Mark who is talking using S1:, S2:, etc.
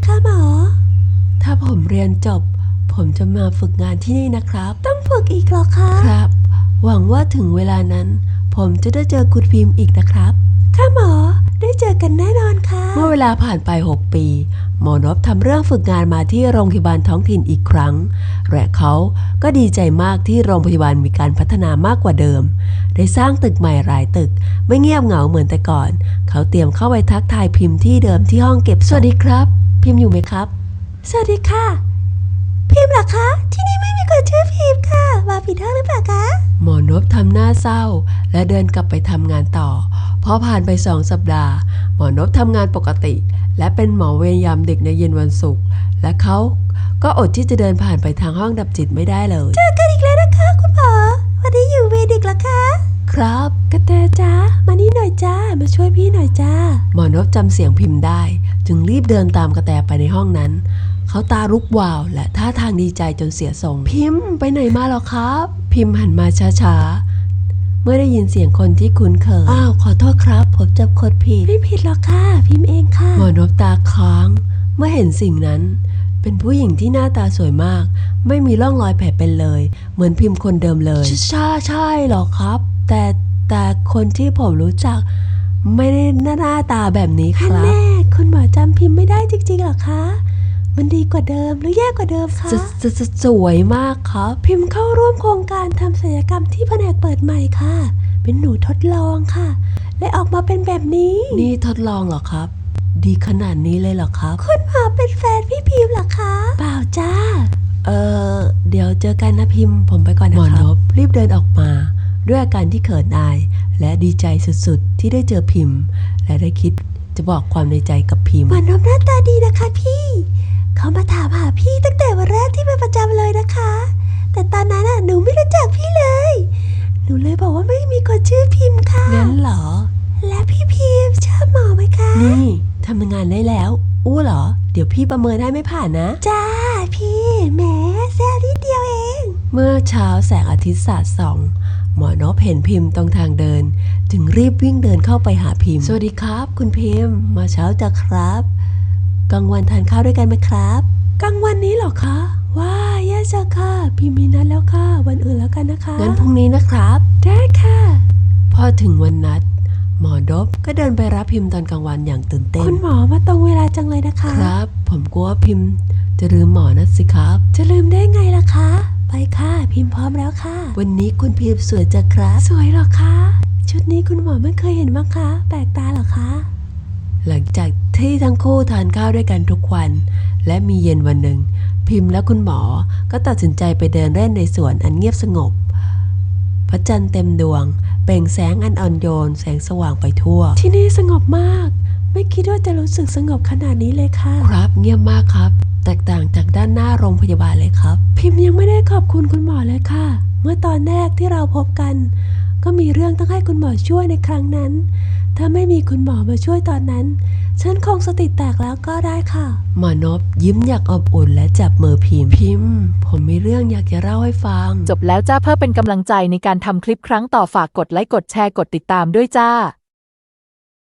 S1: คะหมอ
S2: ถ้าผมเรียนจบผมจะมาฝึกงานที่นี่นะครับ
S1: ต้องฝึกอีกหรอคะ
S2: ครับหวังว่าถึงเวลานั้นผมจะได้เจอคุณพิมพ์อีกนะครับ
S1: ค่ะหมอได้เจอกันแน่นอนค่ะ
S2: เมื่อเวลาผ่านไป6 ปีหมอนพทำเรื่องฝึกงานมาที่โรงพยาบาลท้องถิ่นอีกครั้งและเขาก็ดีใจมากที่โรงพยาบาลมีการพัฒนามากกว่าเดิมได้สร้างตึกใหม่หลายตึกไม่เงียบเหงาเหมือนแต่ก่อนเขาเตรียมเข้าไปทักทายพิมพ์ที่เดิมที่ห้องเก็บสวัสดีครับพิมพ์อยู่ไหมครับ
S1: สวัสดีค่ะพิมพ์เหรอคะที่นี่ไม่มีคนชื่อพิมพ์ค่ะมาผิดห้องหรือเปล่าคะ
S2: หมอนพทำหน้าเศร้าและเดินกลับไปทำงานต่อพอผ่านไป2 สัปดาห์หมอนพทำงานปกติและเป็นหมอเวรยามดึกในเย็นวันศุกร์และเขาก็อดที่จะเดินผ่านไปทางห้องดับจิตไม่ได้เลย
S1: เจอกันอีกแล้วนะคะคุณหมอวันนี้อยู่เวรดึกเหรอคะ
S2: ครับ
S1: กระแตจ้ามานี่หน่อยจ้ามาช่วยพี่หน่อยจ้า
S2: หมอนพจำเสียงพิมพ์ได้จึงรีบเดินตามกระแตไปในห้องนั้นเขาตาลุกวาวและท่าทางดีใจจนเสียทรงพิมพ์ไปไหนมาหรอครับพิมพ์หันมาช้าๆเมื่อได้ยินเสียงคนที่คุ้นเคยอ้าวขอโทษครับผมจำคนผิด
S1: ไม่ผิดหรอกค่ะพิมพ์เองค่ะ
S2: หมอนพตาค้างเมื่อเห็นสิ่งนั้นเป็นผู้หญิงที่หน้าตาสวยมากไม่มีร่องรอยแผลเป็นเลยเหมือนพิมพ์คนเดิมเลยใช่หรอครับแต่คนที่ผมรู้จักไม่ได้หน้าตาแบบนี้ครับ
S1: แน่คุณหมอจำพิมพ์ไม่ได้จริงๆหรอคะมันดีกว่าเดิมหรือแย่กว่าเดิมคะ
S2: สวยมากครับ
S1: พิมพ์เข้าร่วมโครงการทำศัลยกรรมที่แผนกเปิดใหม่ค่ะเป็นหนูทดลองค่ะและออกมาเป็นแบบนี้
S2: นี่ทดลองเหรอครับดีขนาดนี้เลยเหรอครับ
S1: คุณหมอเป็นแฟนพี่พิมพ์เหรอคะเปล่าจ้า
S2: เดี๋ยวเจอกันนะพิมพ์ผมไปก่อนนะครับหมอนพรีบเดินออกมาด้วยอาการที่เขินอายและดีใจสุดๆที่ได้เจอพิมพ์และได้คิดจะบอกความในใจกับพิมพ์
S1: หมอนพหน้าตาดีนะคะพี่เขามาถามหาพี่ตั้งแต่วันแรกที่มาประจำเลยนะคะแต่ตอนนั้นหนูไม่รู้จักพี่เลยหนูเลยบอกว่าไม่มีคนชื่อพิมพ์ค่ะ
S2: งั้นเหรอ
S1: และพี่พิมพ์ชอบหมอไหมคะ
S2: นี่ทำงานได้แล้วอู้เหรอเดี๋ยวพี่ประเมินให้ไม่ผ่านนะ
S1: จ้าพี่แหมแซ่นิดเดียวเอง
S2: เมื่อเช้าแสงอาทิตย์สาดส่องหมอนพเห็นพิมพ์ตรงทางเดินจึงรีบวิ่งเดินเข้าไปหาพิมพ์สวัสดีครับคุณพิมพ์มาเช้าจ้ะครับกลางวันทานข้าวด้วยกันไหมครับ
S1: กลางวันนี้เหรอคะว้าแย่จังค่ะพิมพ์มีนัดแล้วค่ะวันอื่นแล้วกันนะคะ
S2: งั้นพรุ่งนี้นะครับ
S1: ได้ค่ะ
S2: พอถึงวันนัดหมอนพก็เดินไปรับพิมพ์ตอนกลางวันอย่างตื่นเต้น
S1: คุณหมอมาตรงเวลาจังเลยนะคะ
S2: ครับผมกลัวพิมพ์จะลืมหมอนะสิครับ
S1: จะลืมได้ไงล่ะคะไปค่ะพิมพ์พร้อมแล้วค่ะ
S2: วันนี้คุณพิมพ์สวยจังครับ
S1: สวยหรอคะชุดนี้คุณหมอไม่เคยเห็นมั้งคะแปลกตาหรอคะ
S2: หลังจากที่ทั้งคู่ทานข้าวด้วยกันทุกวันและมีเย็นวันหนึ่งพิมพ์และคุณหมอก็ตัดสินใจไปเดินเล่นในสวนอันเงียบสงบพระจันทร์เต็มดวงเปล่งแสงอันอ่อนโยนแสงสว่างไปทั่ว
S1: ที่นี่สงบมากไม่คิดว่าจะรู้สึกสงบขนาดนี้เลยค่ะ
S2: ครับเงียบมากครับแตกต่างจากด้านหน้าโรงพยาบาลเลยครับ
S1: พิมพ์ยังไม่ได้ขอบคุณคุณหมอเลยค่ะเมื่อตอนแรกที่เราพบกันก็มีเรื่องต้องให้คุณหมอช่วยในครั้งนั้นถ้าไม่มีคุณหมอมาช่วยตอนนั้นฉันคงสติแตกแล้วก็ได้ค่ะ
S2: หมอนพยิ้มอยากอบอุ่นและจับมือพิมพ์ผมมีเรื่องอยากจะเล่าให้ฟัง
S3: จบแล้วจ้าเพื่อเป็นกำลังใจในการทำคลิปครั้งต่อฝากกดไลค์กดแชร์กดติดตามด้วยจ้า